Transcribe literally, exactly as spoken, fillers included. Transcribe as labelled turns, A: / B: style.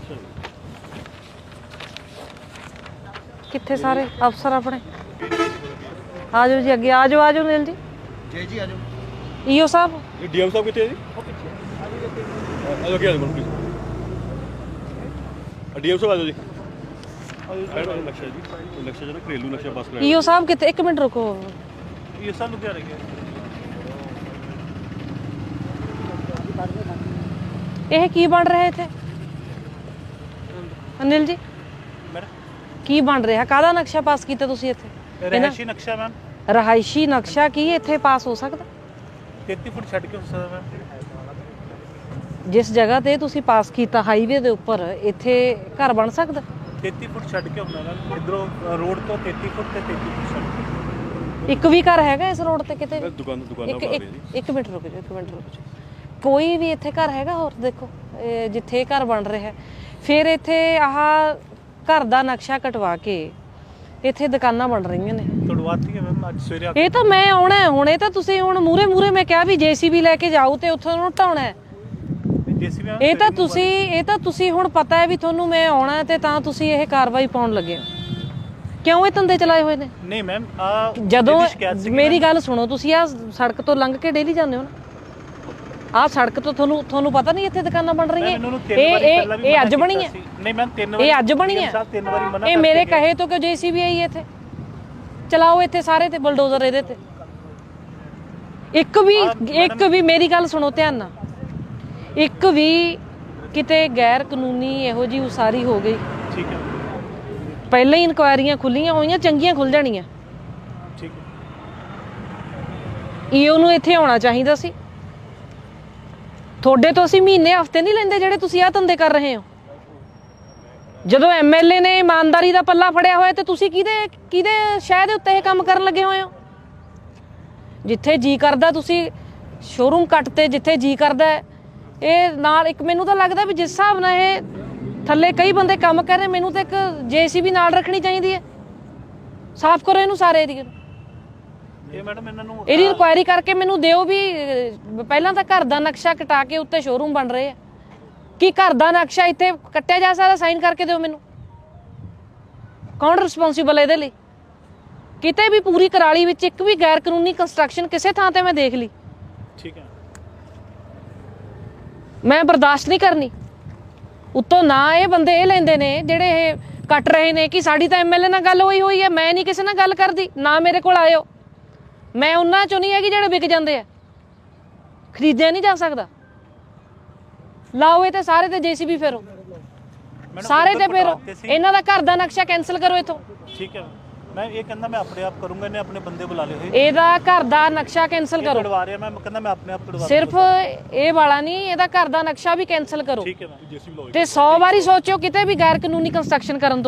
A: कित्थे सारे अफसर अपने आ जाओ जी अगे आ जाओ आ जाओ नील जी
B: जी जी आ जाओ
A: ईओ साहब
C: डीएम साहब कितने जी आ जाओ क्या प्लीज डीएम साहब आ जाओ जी नक्शा जी नक्शा जो ना घरेलू नक्शा बस
A: ईओ साहब कितने एक मिनट रुको
C: ये सब लुधियाने के
A: ਇਹ ਕੀ ਬਣ ਰਿਹਾ ਇੱਥੇ ਅਨਿਲ ਜੀ ਕੀ ਬਣ ਰਿਹਾ ਕਾਹਦਾ ਨਕਸ਼ਾ ਪਾਸ ਕੀਤਾ ਤੁਸੀਂ ਇੱਥੇ
C: ਰਹਾਇਸ਼ੀ ਨਕਸ਼ਾ ਮੈਮ
A: ਰਹਾਇਸ਼ੀ ਨਕਸ਼ਾ ਕੀ ਇੱਥੇ ਪਾਸ ਹੋ ਸਕਦਾ
C: ਤੇਤੀ ਫੁੱਟ ਛੱਡ ਕੇ ਹੋ ਸਕਦਾ ਮੈਮ
A: ਜਿਸ ਜਗ੍ਹਾ ਤੇ ਤੁਸੀਂ ਪਾਸ ਕੀਤਾ ਹਾਈਵੇ ਦੇ ਉੱਪਰ ਇੱਥੇ ਘਰ ਬਣ ਸਕਦਾ
C: ਤੇਤੀ ਫੁੱਟ ਛੱਡ ਕੇ ਹੁੰਦਾ ਮੈਮ ਇਧਰੋਂ ਰੋਡ ਤੋਂ ਤੇਤੀ ਫੁੱਟ ਤੇ ਤੇਤੀ ਫੁੱਟ ਛੱਡ ਕੇ
A: ਇੱਕ ਵੀ ਘਰ ਹੈਗਾ ਇਸ ਰੋਡ ਤੇ ਕਿਤੇ
C: ਦੁਕਾਨ ਦੁਕਾਨਾਂ
A: ਇੱਕ ਇੱਕ ਮਿੰਟ ਰੁਕੋ ਇੱਕ ਮਿੰਟ ਰੁਕੋ ਕੋਈ ਵੀ ਇੱਥੇ ਘਰ ਹੈਗਾ ਹੋਰ ਦੇਖੋ ਜਿੱਥੇ ਘਰ ਬਣ ਰਿਹਾ ਫਿਰ ਇੱਥੇ ਆਹ ਘਰ ਦਾ ਨਕਸ਼ਾ ਕਟਵਾ ਕੇ ਇੱਥੇ ਦੁਕਾਨਾਂ ਬਣ ਰਹੀਆਂ ਨੇ
C: ਤੜਵਾਤੀ ਹੈ ਮੈਮ ਅੱਜ ਸਵੇਰੇ
A: ਇਹ ਤਾਂ ਮੈਂ ਆਉਣਾ ਹੁਣ ਇਹ ਤਾਂ ਤੁਸੀਂ ਹੁਣ ਮੂਰੇ ਮੂਰੇ ਮੈਂ ਕਿਹਾ ਵੀ ਜੇਸੀਬੀ ਲੈ ਕੇ ਜਾਓ ਤੇ ਉੱਥੋਂ ਨੂੰ ਢਾਉਣਾ
C: ਜੇਸੀਬੀ
A: ਇਹ ਤਾਂ ਤੁਸੀਂ ਇਹ ਤਾਂ ਤੁਸੀਂ ਹੁਣ ਪਤਾ ਹੈ ਵੀ ਤੁਹਾਨੂੰ ਮੈਂ ਆਉਣਾ ਤੇ ਤਾਂ ਤੁਸੀਂ ਇਹ ਕਾਰਵਾਈ ਪਾਉਣ ਲੱਗੇ ਹੋ ਕਿਉਂ ਇਹ ਧੰਦੇ ਚਲਾਏ ਹੋਏ ਨੇ
C: ਨਹੀਂ ਮੈਮ ਆ
A: ਜਦੋਂ ਮੇਰੀ ਗੱਲ ਸੁਣੋ ਤੁਸੀਂ ਆ ਸੜਕ ਤੋਂ ਲੰਘ ਕੇ ਡੇਲੀ ਜਾਂਦੇ ਹੋ ਨਾ ਆਹ ਸੜਕ ਤੋਂ ਤੁਹਾਨੂੰ ਤੁਹਾਨੂੰ ਪਤਾ ਨਹੀਂ ਇੱਥੇ ਦੁਕਾਨਾਂ ਬਣ ਰਹੀਆਂ ਇਹ ਇਹ ਇਹ ਅੱਜ ਬਣੀ ਹੈ
C: ਨਹੀਂ ਮੈਮ ਤਿੰਨ ਵਾਰੀ
A: ਇਹ ਅੱਜ ਬਣੀ ਹੈ
C: ਤਿੰਨ ਵਾਰੀ ਮਨਾ
A: ਇਹ ਮੇਰੇ ਕਹੇ ਤੋਂ ਕਿਉਂ ਜੇਸੀਬੀ ਆਈ ਇੱਥੇ ਚਲਾਓ ਇੱਥੇ ਸਾਰੇ ਤੇ ਬਲਡੋਜ਼ਰ ਇਹਦੇ ਤੇ ਇੱਕ ਵੀ ਇੱਕ ਵੀ ਮੇਰੀ ਗੱਲ ਸੁਣੋ ਧਿਆਨ ਨਾਲ ਇੱਕ ਵੀ ਕਿਤੇ ਗੈਰ ਕਾਨੂੰਨੀ ਇਹੋ ਜੀ ਉਸਾਰੀ ਹੋ ਗਈ
C: ਠੀਕ ਹੈ
A: ਪਹਿਲਾਂ ਹੀ ਇਨਕੁਆਇਰੀਆਂ ਖੁੱਲੀਆਂ ਹੋਈਆਂ ਚੰਗੀਆਂ ਖੁੱਲ ਜਾਣੀਆਂ
C: ਠੀਕ ਹੈ
A: ਈਓ ਨੂੰ ਇੱਥੇ ਆਉਣਾ ਚਾਹੀਦਾ ਸੀ ਤੁਹਾਡੇ ਤੋਂ ਅਸੀਂ ਮਹੀਨੇ ਹਫ਼ਤੇ ਨਹੀਂ ਲੈਂਦੇ ਜਿਹੜੇ ਤੁਸੀਂ ਆਹ ਧੰਦੇ ਕਰ ਰਹੇ ਹੋ ਜਦੋਂ ਐਮਐਲਏ ਨੇ ਇਮਾਨਦਾਰੀ ਦਾ ਪੱਲਾ ਫੜਿਆ ਹੋਇਆ ਤੇ ਤੁਸੀਂ ਕਿਹਦੇ ਕਿਹਦੇ ਸ਼ਹਿਰ ਦੇ ਉੱਤੇ ਇਹ ਕੰਮ ਕਰਨ ਲੱਗੇ ਹੋਏ ਹੋ ਜਿੱਥੇ ਜੀ ਕਰਦਾ ਤੁਸੀਂ ਸ਼ੋਰੂਮ ਕੱਟ ਤੇ ਜਿੱਥੇ ਜੀ ਕਰਦਾ ਇਹ ਨਾਲ ਇੱਕ ਮੈਨੂੰ ਤਾਂ ਲੱਗਦਾ ਵੀ ਜਿਸ ਹਿਸਾਬ ਨਾਲ ਇਹ ਥੱਲੇ ਕਈ ਬੰਦੇ ਕੰਮ ਕਰ ਰਹੇ ਮੈਨੂੰ ਤਾਂ ਇੱਕ ਜੇਸੀਬੀ ਨਾਲ ਰੱਖਣੀ ਚਾਹੀਦੀ ਹੈ ਸਾਫ਼ ਕਰੋ ਇਹਨੂੰ ਸਾਰੇ ਏਰੀਏ ਨੂੰ
C: ਇਹ ਮੈਡਮ ਇਹਨਾਂ ਨੂੰ
A: ਇਹਦੀ ਇਨਕੁਆਇਰੀ ਕਰਕੇ ਮੈਨੂੰ ਦਿਓ ਵੀ ਪਹਿਲਾਂ ਤਾਂ ਘਰ ਦਾ ਨਕਸ਼ਾ ਕਟਾ ਕੇ ਉੱਤੇ ਸ਼ੋਰੂਮ ਬਣ ਰਹੇ ਆ ਕੀ ਘਰ ਦਾ ਨਕਸ਼ਾ ਇੱਥੇ ਕੱਟਿਆ ਜਾ ਸਕਦਾ ਸਾਈਨ ਕਰਕੇ ਦਿਓ ਮੈਨੂੰ ਕੌਣ ਰਿਸਪੌਂਸੀਬਲ ਇਹਦੇ ਲਈ ਕਿਤੇ ਵੀ ਪੂਰੀ ਕਰਾਲੀ ਵਿੱਚ ਇੱਕ ਵੀ ਗੈਰ ਕਾਨੂੰਨੀ ਕੰਸਟਰਕਸ਼ਨ ਕਿਸੇ ਥਾਂ ਤੇ ਮੈਂ ਦੇਖ ਲਈ
C: ਠੀਕ ਹੈ
A: ਮੈਂ ਬਰਦਾਸ਼ਤ ਨਹੀਂ ਕਰਨੀ ਉੱਤੋਂ ਨਾ ਇਹ ਬੰਦੇ ਇਹ ਲੈਂਦੇ ਨੇ ਜਿਹੜੇ ਇਹ ਕੱਟ ਰਹੇ ਨੇ ਕਿ ਸਾਡੀ ਤਾਂ ਐਮਐਲਏ ਨਾਲ ਗੱਲ ਹੋਈ ਹੋਈ ਹੈ ਮੈਂ ਨਹੀਂ ਕਿਸੇ ਨਾਲ ਗੱਲ ਕਰਦੀ ਨਾ ਮੇਰੇ ਕੋਲ ਆਇਓ ਮੈਂ ਉਹਨਾਂ ਚੋਂ ਨਹੀਂ ਹੈਗੀ ਜਿਹੜੇ ਵਿਕ ਜਾਂਦੇ ਆ ਖਰੀਦਿਆ ਨਹੀਂ ਜਾ ਸਕਦਾ ਲਾਓ ਇਹ ਤੇ ਸਾਰੇ ਤੇ ਜੇਸੀਬੀ ਫੇਰੋ ਸਾਰੇ ਤੇ ਫੇਰੋ ਇਹਨਾਂ ਦਾ ਘਰ ਦਾ ਨਕਸ਼ਾ ਕੈਨਸਲ ਕਰੋ ਇਥੋਂ
C: ਠੀਕ ਹੈ ਮੈਂ ਇਹ ਕਹਿੰਦਾ ਮੈਂ ਆਪਣੇ ਆਪ ਕਰੂੰਗਾ ਇਹਨੇ ਆਪਣੇ ਬੰਦੇ ਬੁਲਾ ਲਏ ਹੋਏ
A: ਇਹਦਾ ਘਰ ਦਾ ਨਕਸ਼ਾ ਕੈਨਸਲ ਕਰੋ
C: ਕਢਵਾ ਰਿਹਾ ਮੈਂ ਕਹਿੰਦਾ ਮੈਂ ਆਪਣੇ ਆਪ ਕਢਵਾ
A: ਸਿਰਫ ਇਹ ਵਾਲਾ ਨਹੀਂ ਇਹਦਾ ਘਰ ਦਾ ਨਕਸ਼ਾ ਵੀ ਕੈਨਸਲ ਕਰੋ
C: ਠੀਕ ਹੈ ਮੈਂ ਜੇਸੀਬੀ ਲਾਓ
A: ਤੇ ਸੌ ਵਾਰੀ ਸੋਚੋ ਕਿਤੇ ਵੀ ਗੈਰ ਕਾਨੂੰਨੀ ਕੰਸਟਰਕਸ਼ਨ ਕਰਨ ਤੋਂ